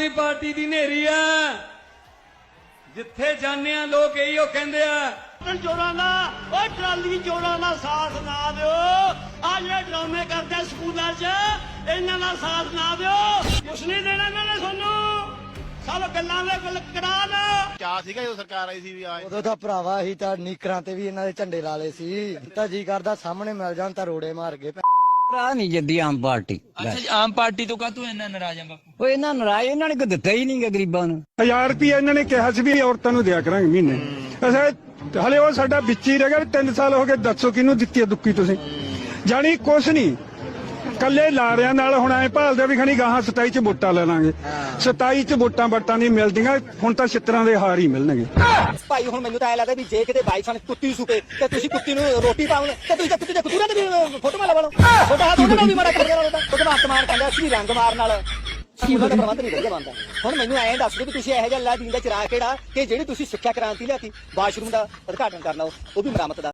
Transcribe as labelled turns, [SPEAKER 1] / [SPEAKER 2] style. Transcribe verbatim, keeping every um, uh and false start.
[SPEAKER 1] ਆਦਮੀ party ਦੀ ਨੇਰੀ ਆ। ਜਿੱਥੇ ਜਾਂਦੇ ਆ ਲੋਕ ਇਹੀ ਉਹ ਕਹਿੰਦੇ ਆ
[SPEAKER 2] ਚੋਰਾਂ ਦਾ ਓਏ ਟਰਾਲੀ ਚੋਰਾਂ ਦਾ ਸਾਥ ਨਾ ਦਿਓ। ਆ ਜਿਹੜੇ ਡਰਾਮੇ ਕਰਦੇ ਸਕੂਲਾਂ 'ਚ ਇਹਨਾਂ ਦਾ ਸਾਥ ਨਾ ਦਿਓ। ਕੁਛ ਨਹੀਂ ਦੇਣਾ ਇਹਨਾਂ ਨੇ ਤੁਹਾਨੂੰ, ਸਭ ਗੱਲਾਂ ਦੇ ਗੁਲ ਕਰਾ ਦੋ।
[SPEAKER 3] ਕਿਆ ਸੀਗਾ ਜਦੋਂ ਸਰਕਾਰ ਆਈ ਸੀ ਵੀ ਆਏ
[SPEAKER 4] ਉਦੋਂ ਤਾਂ ਭਰਾਵਾ ਹੀ ਤਾਂ ਨੀਕਰਾਂ ਤੇ ਵੀ ਇਹਨਾਂ ਦੇ ਝੰਡੇ ਲਾ ਲਏ ਸੀ। ਤਾਂ ਜੀ ਕਰਦਾ ਸਾਹਮਣੇ ਮਿਲ ਜਾਣ ਤਾਂ ਰੋੜੇ ਮਾਰ ਗਏ।
[SPEAKER 5] ਰਾਹ ਨਹੀਂ ਜੱਦੀ ਆਮ ਪਾਰਟੀ।
[SPEAKER 6] ਅੱਛਾ ਜੀ, ਆਮ ਪਾਰਟੀ ਤੋਂ ਕਾਹਤੋਂ ਇੰਨਾ ਨਾਰਾਜ਼ ਆ ਬਾਪੂ?
[SPEAKER 5] ਉਹ ਇਹਨਾਂ ਨਾਰਾਜ਼, ਇਹਨਾਂ ਨੇ ਕੋ ਦਿੱਤਾ ਹੀ ਨਹੀਂ ਗਰੀਬਾਂ ਨੂੰ।
[SPEAKER 7] ਹਜ਼ਾਰ ਰੁਪਇਆ ਇਹਨਾਂ ਨੇ ਕਿਹਾ ਸੀ ਵੀ ਔਰਤਾਂ ਨੂੰ ਦਿਆ ਕਰਾਂਗੇ ਮਹੀਨੇ। ਅਸਾਂ ਹਲੇ ਉਹ ਸਾਡਾ ਵਿੱਚ ਹੀ ਰਹਿ ਗਿਆ। ਤਿੰਨ ਸਾਲ ਹੋ ਗਏ, ਦੱਸੋ ਕਿਹਨੂੰ ਦਿੱਤੀ ਹੈ ਦੁੱਕੀ ਤੁਸੀਂ? ਜਾਣੀ ਕੁਛ ਨਹੀਂ, ਕੱਲੇ ਲਾਰਿਆਂ ਨਾਲ ਹੁਣ ਐ ਭਾਲਦੇ ਵੀ ਖਣੀ ਗਾਹਾਂ ਸਤਾਈ ਚ ਵੋਟਾਂ ਲੈ ਲਾਂਗੇ। ਸਤਾਈ ਚ ਵੋਟਾਂ ਵਟਾਂ ਨਹੀਂ ਮਿਲਦੀਆਂ, ਹੁਣ ਤਾਂ ਛਿੱਤਰਾਂ ਦੇ ਹਾਰ ਹੀ ਮਿਲਣਗੇ।
[SPEAKER 4] ਭਾਈ ਹੁਣ ਮੈਨੂੰ ਤਾਂ ਐ ਲੱਗਦਾ ਵੀ ਜੇ ਕਿਤੇ ਬਾਈ ਸਾਨੂੰ ਕੁੱਤੀ ਸੁਪੇ ਤੇ ਤੁਸੀਂ ਕੁੱਤੀ ਨੂੰ ਰੋਟੀ ਪਾਉਣ ਤੇ ਤੁਸੀਂ ਤਾਂ ਕੁੱਤੀ ਦੇ ਕੁੱਤੂਰਾਂ ਦੇ ਵੀ ਫੋਟੋਆਂ ਲਵਾ ਲਓ। ਤੁਹਾਡਾ ਹੱਥ ਉਹਨਾਂ ਨੂੰ ਵੀ ਮਾੜਾ ਕਰਦੇ ਰਹੋ। ਭਗਵੰਤ ਮਾਨ ਕਹਿੰਦਾ ਸੀ ਰੰਗ ਮਾਰਨ ਨਾਲ ਸਕੂਲਾਂ ਦਾ ਪ੍ਰਬੰਧ ਨਹੀਂ ਵਧੀਆ ਬਣਦਾ। ਹੁਣ ਮੈਨੂੰ ਐਂ ਦੱਸ ਦਿਓ ਵੀ ਤੁਸੀਂ ਇਹੋ ਜਿਹਾ ਅੱਲਾ ਦੀਨ ਦਾ ਚਿਰਾਗ ਕਿਹੜਾ ਕਿ ਜਿਹੜੀ ਤੁਸੀਂ ਸਿੱਖਿਆ ਕ੍ਰਾਂਤੀ ਲਿਆਤੀ, ਵਾਸ਼ਰੂਮ ਦਾ ਉਦਘਾਟਨ ਕਰਨਾ ਉਹ ਵੀ ਮਰਾਮਤ ਦਾ।